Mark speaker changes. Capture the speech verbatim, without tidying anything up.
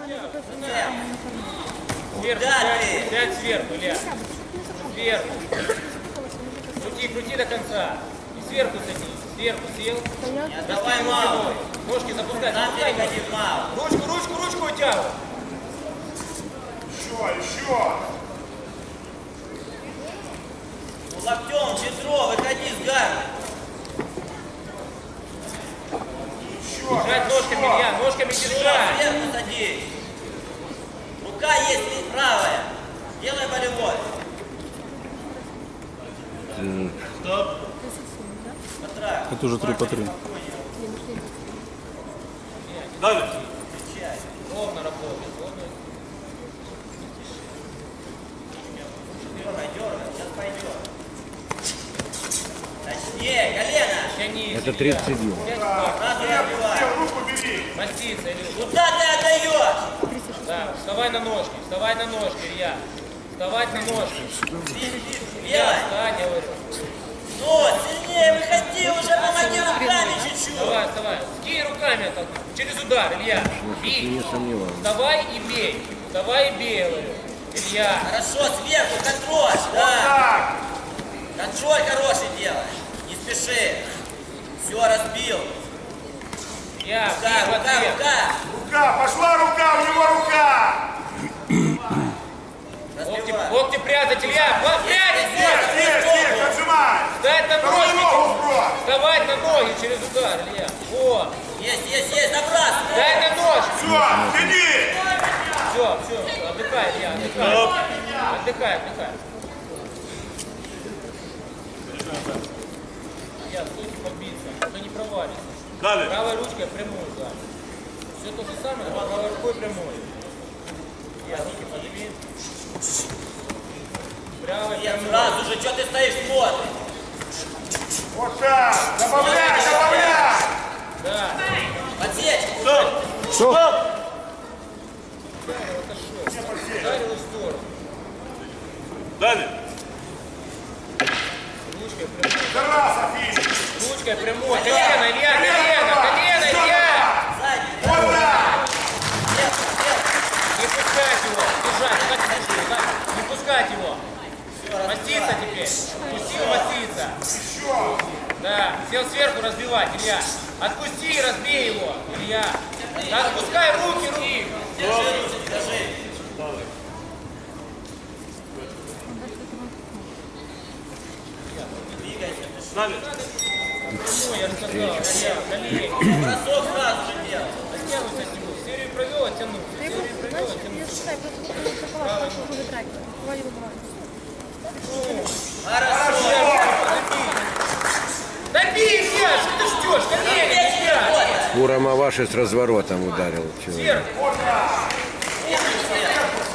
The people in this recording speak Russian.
Speaker 1: Сверху, сядь, сядь сверху, Илья. Сверху. Крути, крути до конца. И сверху садись. Сверху сел.
Speaker 2: Давай, мало.
Speaker 1: Ножки запускай.
Speaker 2: Нам переходи, мало.
Speaker 1: Ручку, ручку, ручку утягивай.
Speaker 3: Еще, еще.
Speaker 2: Ну, локтем, бедро, выходи с гарда.
Speaker 1: Держать ножками, Илья, ножками держать.
Speaker 2: Сверху садись. Рука есть правая. Делай болевой. Стоп.
Speaker 4: Это уже три по три.
Speaker 3: Далее.
Speaker 1: Ровно работает. Ровно.
Speaker 2: Дергай, дергай, сейчас пойдет. Точнее, колено.
Speaker 1: Тяни.
Speaker 4: Это тридцать седьмой.
Speaker 2: Сразу набивай.
Speaker 3: Руку бери.
Speaker 1: Маститься, Илюш.
Speaker 2: Куда ты отдаешь?
Speaker 1: Да, вставай на ножки, вставай на ножки, Илья. Вставать на ножки. Илья,
Speaker 2: Делай.
Speaker 1: встань, я говорю.
Speaker 2: Ну, сильнее выходи уже, помоги руками чуть-чуть.
Speaker 1: Вставай, вставай. Скинь руками так, через удар, Илья. Бей.
Speaker 4: Не сомневаюсь.
Speaker 1: Вставай и бей. Вставай и бей, я говорю. Илья.
Speaker 2: Хорошо, сверху контроль, да. Контроль хороший делай. Не спеши. Все, разбил.
Speaker 1: Илья,
Speaker 2: Рука,
Speaker 1: бей в
Speaker 2: рука,
Speaker 1: ответ.
Speaker 2: рука.
Speaker 3: Рука, пошла рука, у него рука.
Speaker 1: Локти,
Speaker 2: Разбивай.
Speaker 1: локти прятать, Илья. Вот прятать,
Speaker 3: Есть,
Speaker 1: вот.
Speaker 3: есть, есть, отжимай.
Speaker 1: Встать на
Speaker 3: Вторую
Speaker 1: ножки.
Speaker 3: ногу сбрось.
Speaker 1: Вставать на ноги через удар, Илья. Вот.
Speaker 2: Есть, есть, есть, набрасывай.
Speaker 1: Дай на ножки.
Speaker 3: Все, тяни.
Speaker 1: Все, все, отдыхай, Илья, отдыхай. Отдыхай, отдыхай. Илья, стойте побиться, а то не провалится.
Speaker 3: Далее.
Speaker 1: Правой ручкой прямую, да. Все то же самое, но правой рукой прямой. Илья, руки подними. Правой
Speaker 2: Нет,
Speaker 1: прямой.
Speaker 2: сразу же, что ты стоишь, смотришь?
Speaker 3: Вот так. Добавляй, добавляй.
Speaker 1: Да.
Speaker 2: Подсечь.
Speaker 4: Стоп!
Speaker 1: Ударил в сторону.
Speaker 3: Далее.
Speaker 1: Ручкой прямой.
Speaker 3: Тараса, финиш.
Speaker 1: Ручкой прямой. Колено, Илья, колено, колено, Илья.
Speaker 2: Сзади.
Speaker 3: Вот так.
Speaker 2: Нет, нет.
Speaker 1: Не пускать его. Держать, так держи, так. Не пускать его. Маститься теперь. Пусти его маститься.
Speaker 3: Еще.
Speaker 1: Да, сел сверху разбивать, Илья. Отпусти и разбей его, Илья. Да, отпускай руки, руки.
Speaker 2: Держи, руки, держи. Двигайся.
Speaker 3: Далее.
Speaker 1: Ну, я же сказал, Илья, колени.
Speaker 2: Бросок сразу же делай.
Speaker 1: Оттянуться от него. Серию провел, оттянул. Серию провел, оттянул.
Speaker 2: Хорошо.
Speaker 1: Добей, Илья, что ты ждешь? Колени, Илья.
Speaker 4: Урамаваши с разворотом ударил человек.
Speaker 1: Сверху.